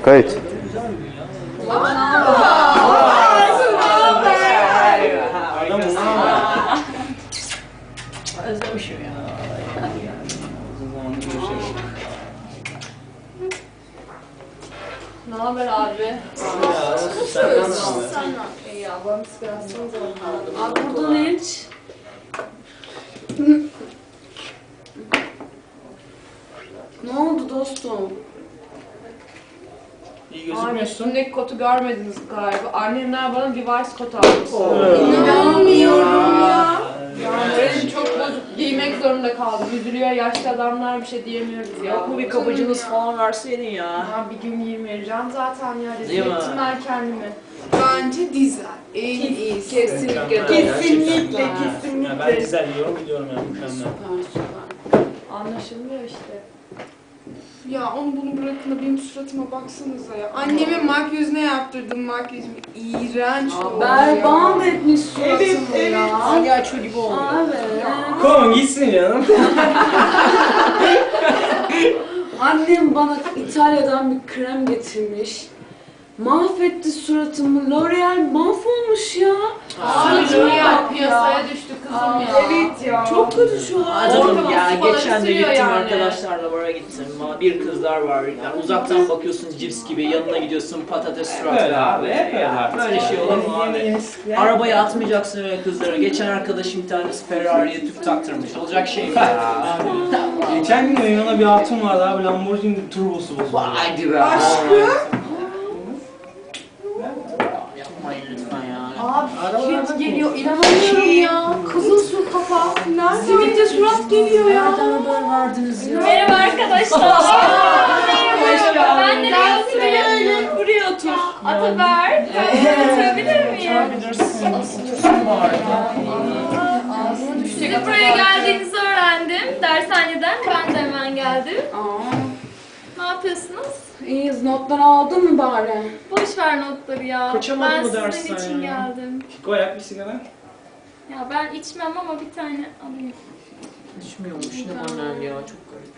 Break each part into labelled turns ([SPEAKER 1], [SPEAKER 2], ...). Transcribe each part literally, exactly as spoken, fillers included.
[SPEAKER 1] Kayıt.
[SPEAKER 2] Özlemişim ya.
[SPEAKER 3] Ne haber abi?
[SPEAKER 2] Sen
[SPEAKER 3] İyi ya, bana sigara atsanıza.
[SPEAKER 2] Abi buradan hiç. Ne oldu dostum?
[SPEAKER 4] İyi
[SPEAKER 3] Abi
[SPEAKER 4] gözükmüyorsun.
[SPEAKER 3] üstündeki kotu görmediniz galiba. Annemler bana Levi's kot almış.
[SPEAKER 2] İnanmıyorum ya.
[SPEAKER 3] Yani moralim çok bozuk. Giymek zorunda kaldım. Üzülüyor yaşlı adamlar, bir şey diyemiyoruz ya.
[SPEAKER 2] Yok mu bir kapıcınız falan verseydin ya?
[SPEAKER 3] Ya bir gün giyim vereceğim zaten ya. Rezil
[SPEAKER 2] Değil mi?
[SPEAKER 3] ettim ben kendimi.
[SPEAKER 5] Bence dizel. En iyisi.
[SPEAKER 3] Kesinlikle.
[SPEAKER 5] Kesinlikle,
[SPEAKER 4] Ya ben
[SPEAKER 5] kesinlikle.
[SPEAKER 4] güzel yiyorum biliyorum ya mükemmel.
[SPEAKER 2] Süper süper.
[SPEAKER 3] Anlaşılmıyor işte.
[SPEAKER 5] Ya onu bunu bırakın da benim suratıma baksanıza ya. Annemin makyajına yaptırdım makyajımı. İğrenç oldu ya.
[SPEAKER 2] Berbat etmiş suratımı
[SPEAKER 5] Evet, evet.
[SPEAKER 2] ya.
[SPEAKER 4] Palyaço gibi oldu.
[SPEAKER 2] Abi.
[SPEAKER 4] Kon gitsin canım.
[SPEAKER 2] Annem bana İtalya'dan bir krem getirmiş. Mahvetti suratımı. L'Oreal mahvolmuş ya.
[SPEAKER 3] Abi
[SPEAKER 2] Suratıma
[SPEAKER 3] L'Oreal
[SPEAKER 2] bak
[SPEAKER 3] piyasaya düştü kızım
[SPEAKER 5] Aa,
[SPEAKER 3] ya.
[SPEAKER 5] Evet ya.
[SPEAKER 2] Çok kötü şu an.
[SPEAKER 6] Canım ya
[SPEAKER 3] Ortalık
[SPEAKER 6] geçen de
[SPEAKER 3] sırıyor
[SPEAKER 6] gittim
[SPEAKER 3] yani.
[SPEAKER 6] arkadaşlarla bara gittim. Ama bir kızlar var. Yani uzaktan bakıyorsun cips gibi, yanına gidiyorsun patates suratı.
[SPEAKER 4] Böyle abi, hep öyle artık.
[SPEAKER 6] Böyle şey olur mu abi? Arabaya atmayacaksın öyle kızları. Geçen arkadaşım bir tanesi Ferrari'ye tüp taktırmış. Olacak şey mi ya?
[SPEAKER 4] Geçen gün yanına bir hatun vardı abi, Lamborghini turbosu bozuldu.
[SPEAKER 6] Haydi be.
[SPEAKER 5] Aşkım.
[SPEAKER 6] Yapmayın lütfen ya.
[SPEAKER 3] Abi kit geliyor, inanamıyorum ya. Kızıl su kafa. Simit'te surat geliyor ya.
[SPEAKER 6] Nereden haber verdiniz ya?
[SPEAKER 7] Merhaba arkadaşlar. Merhaba. Ben nereye oturayım?
[SPEAKER 2] Buraya otur.
[SPEAKER 7] Ataber. Oturabilir miyim? Siz buraya geldiğinizi öğrendim. Dershaneden. Ben de hemen geldim.
[SPEAKER 2] Aa,
[SPEAKER 7] Ne yapıyorsunuz?
[SPEAKER 2] iyiyiz. Notları aldın mı bari?
[SPEAKER 7] Boş ver notları ya.
[SPEAKER 6] Kaçamadın
[SPEAKER 7] Ben
[SPEAKER 6] mı
[SPEAKER 7] sizin
[SPEAKER 6] dersten
[SPEAKER 7] için
[SPEAKER 6] ya?
[SPEAKER 7] geldim.
[SPEAKER 4] Koyak bir sigara.
[SPEAKER 7] Ya ben içmem ama bir tane alayım.
[SPEAKER 6] İçmiyormuş ne annem ya, çok garip.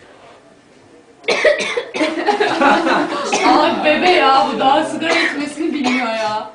[SPEAKER 3] Abi bebe ya, bu daha sigara içmesini bilmiyor ya.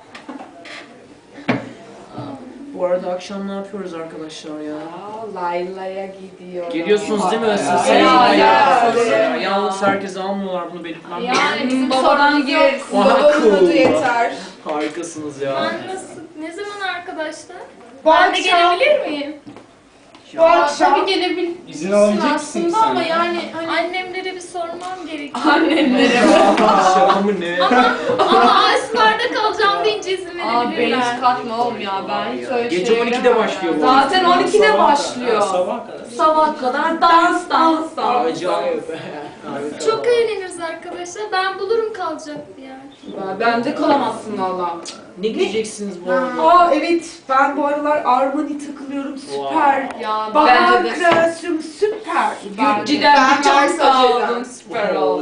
[SPEAKER 6] Bu arada akşam ne yapıyoruz arkadaşlar ya?
[SPEAKER 5] Aa, Layla'ya gidiyor.
[SPEAKER 6] Geliyorsunuz değil mi? Siz
[SPEAKER 3] Ya,
[SPEAKER 6] senin
[SPEAKER 3] ya,
[SPEAKER 6] ya,
[SPEAKER 3] ya.
[SPEAKER 6] Yalnız herkese almıyorlar, bunu belirtmem.
[SPEAKER 3] Yani bizim
[SPEAKER 2] Babadan
[SPEAKER 3] sorunumuz yok.
[SPEAKER 2] gireriz.
[SPEAKER 5] Babanın adı yeter.
[SPEAKER 6] Harikasınız ya.
[SPEAKER 7] Ben nasıl, ne zaman arkadaşlar?
[SPEAKER 5] Bu
[SPEAKER 7] Ben de
[SPEAKER 5] akşam-
[SPEAKER 7] gelebilir miyim?
[SPEAKER 5] Bu akşam.
[SPEAKER 3] Tabii gelebilirsin
[SPEAKER 4] İzin alabilecek misin
[SPEAKER 3] aslında
[SPEAKER 4] sen
[SPEAKER 3] ama
[SPEAKER 4] ya?
[SPEAKER 3] yani hani
[SPEAKER 7] Annemlere bir sormam gerekiyor.
[SPEAKER 3] annemlere.
[SPEAKER 6] Akşamı ne?
[SPEAKER 7] Ama Asmar'da kalacağım deyince izin
[SPEAKER 3] Abi ben
[SPEAKER 7] verebilirler.
[SPEAKER 3] hiç katma oğlum ya, ben hiç öyle
[SPEAKER 6] Gece
[SPEAKER 3] şey
[SPEAKER 6] on ikide
[SPEAKER 3] bilemem
[SPEAKER 6] başlıyor
[SPEAKER 3] ya.
[SPEAKER 6] bu.
[SPEAKER 2] Zaten on ikide
[SPEAKER 4] Sabah-
[SPEAKER 2] başlıyor.
[SPEAKER 4] Sabah kadar.
[SPEAKER 2] Sabah kadar dans dans dans.
[SPEAKER 6] Acayip.
[SPEAKER 7] Çok eğleniriz arkadaşlar. Ben bulurum kalacak bir yer.
[SPEAKER 2] Bence kalamazsın valla.
[SPEAKER 6] Ne giyeceksiniz bu arada?
[SPEAKER 5] Aa evet, ben bu aralar Armani takılıyorum, süper.
[SPEAKER 3] Ya
[SPEAKER 5] Bahar
[SPEAKER 3] bence de
[SPEAKER 5] kreasyonu süper.
[SPEAKER 2] Gucci'den
[SPEAKER 5] Ben
[SPEAKER 2] bir çanta
[SPEAKER 5] Versace'den.
[SPEAKER 2] aldın. Süper oldu.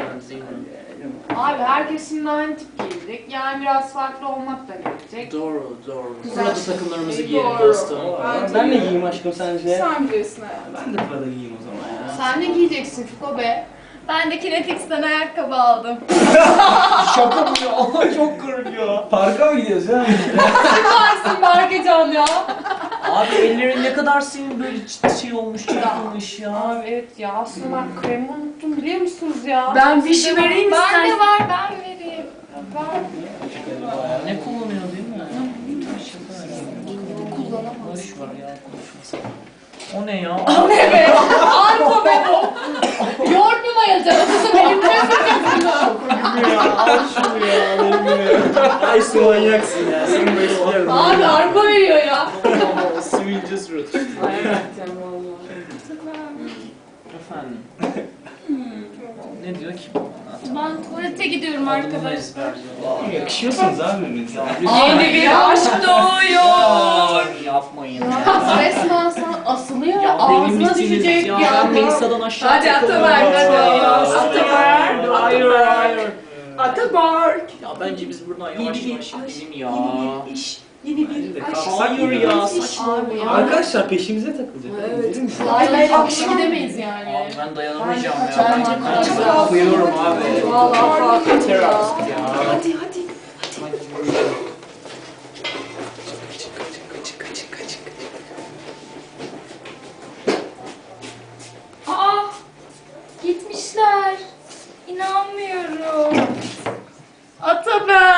[SPEAKER 3] abi herkes şimdi aynı tip giyecek. Yani biraz farklı olmak da gerekecek.
[SPEAKER 6] Doğru, doğru.
[SPEAKER 5] Güzel.
[SPEAKER 6] Burada takımlarımızı
[SPEAKER 5] Doğru.
[SPEAKER 6] giyelim dostum.
[SPEAKER 5] Bence
[SPEAKER 4] Ben de
[SPEAKER 5] de.
[SPEAKER 4] giyeyim aşkım sence?
[SPEAKER 5] Sen bilirsin hayatım.
[SPEAKER 4] Ben de Prada giyeyim o zaman ya.
[SPEAKER 3] Sen ne giyeceksin Fiko be?
[SPEAKER 7] Ben de Kinetix'ten ayakkabı aldım.
[SPEAKER 4] Şaka mı ya? Çok garip ya. Parka mı gidiyoruz ya?
[SPEAKER 3] Varsın Berkecan ya.
[SPEAKER 6] Abi ellerin ne kadar senin böyle çi- şey olmuş, çırpılmış ya.
[SPEAKER 3] Abi evet ya, aslında ben kremi unuttum biliyor musunuz ya?
[SPEAKER 2] Ben bir şey vereyim
[SPEAKER 7] Ben de
[SPEAKER 2] istersen.
[SPEAKER 7] var, ben vereyim.
[SPEAKER 6] Ne kullanıyor değil mi? Kullanamaz. Boş ver ya, konuşmasın. O ne ya?
[SPEAKER 3] Arpa be bu. Yoğurt mu mayalacaksın? Kızım elimde sıkacaksın.
[SPEAKER 4] Ya al şunu ya. Benim gibi. Ay su manyaksın ya. Seni besliyorum.
[SPEAKER 3] Abi arpa veriyor ya.
[SPEAKER 6] Sivilce surat.
[SPEAKER 2] Hakikaten valla.
[SPEAKER 6] Efendim. Ne diyor ki bu?
[SPEAKER 7] Ben tuvalete gidiyorum
[SPEAKER 6] Adımı
[SPEAKER 7] arkadaşlar.
[SPEAKER 6] ezberliyor.
[SPEAKER 4] Yakışıyorsunuz abi birbirinize.
[SPEAKER 2] Yeni bir aşk doğuyor.
[SPEAKER 6] Yapmayın
[SPEAKER 3] Ya
[SPEAKER 6] ya.
[SPEAKER 3] resmen sana asılıyor ya,
[SPEAKER 6] Ya benim
[SPEAKER 3] ağzına
[SPEAKER 6] bitiniz
[SPEAKER 3] düşecek
[SPEAKER 6] ya.
[SPEAKER 3] ya.
[SPEAKER 6] Ben Melisa'dan aşağı
[SPEAKER 2] Hadi
[SPEAKER 6] takılıyorum.
[SPEAKER 2] Ataberk, hadi.
[SPEAKER 6] Ya.
[SPEAKER 2] Ataberk.
[SPEAKER 6] Hayır, hayır.
[SPEAKER 2] Ataberk.
[SPEAKER 6] Ya bence biz buradan yavaş
[SPEAKER 2] Yeni bir
[SPEAKER 6] yavaş
[SPEAKER 2] aşk,
[SPEAKER 6] gidelim ya.
[SPEAKER 2] yeni bir iş.
[SPEAKER 3] Yeni bir aşk.
[SPEAKER 6] Hayır ya saçma.
[SPEAKER 3] Abi ya.
[SPEAKER 4] Arkadaşlar peşimize takılacak.
[SPEAKER 3] Evet.
[SPEAKER 4] Değil mi?
[SPEAKER 3] Hayır hayır akışı gidemeyiz yani.
[SPEAKER 6] Abi ben dayanamayacağım
[SPEAKER 3] Bence
[SPEAKER 6] ya.
[SPEAKER 3] kaçar,
[SPEAKER 6] Ben
[SPEAKER 3] bence
[SPEAKER 6] ben
[SPEAKER 3] kaçar.
[SPEAKER 6] uyuyorum abi.
[SPEAKER 3] Vallahi
[SPEAKER 6] Yeter
[SPEAKER 3] ya.
[SPEAKER 6] artık ya.
[SPEAKER 3] Hadi hadi.
[SPEAKER 7] Aa, gitmişler. İnanmıyorum.
[SPEAKER 3] Ataber.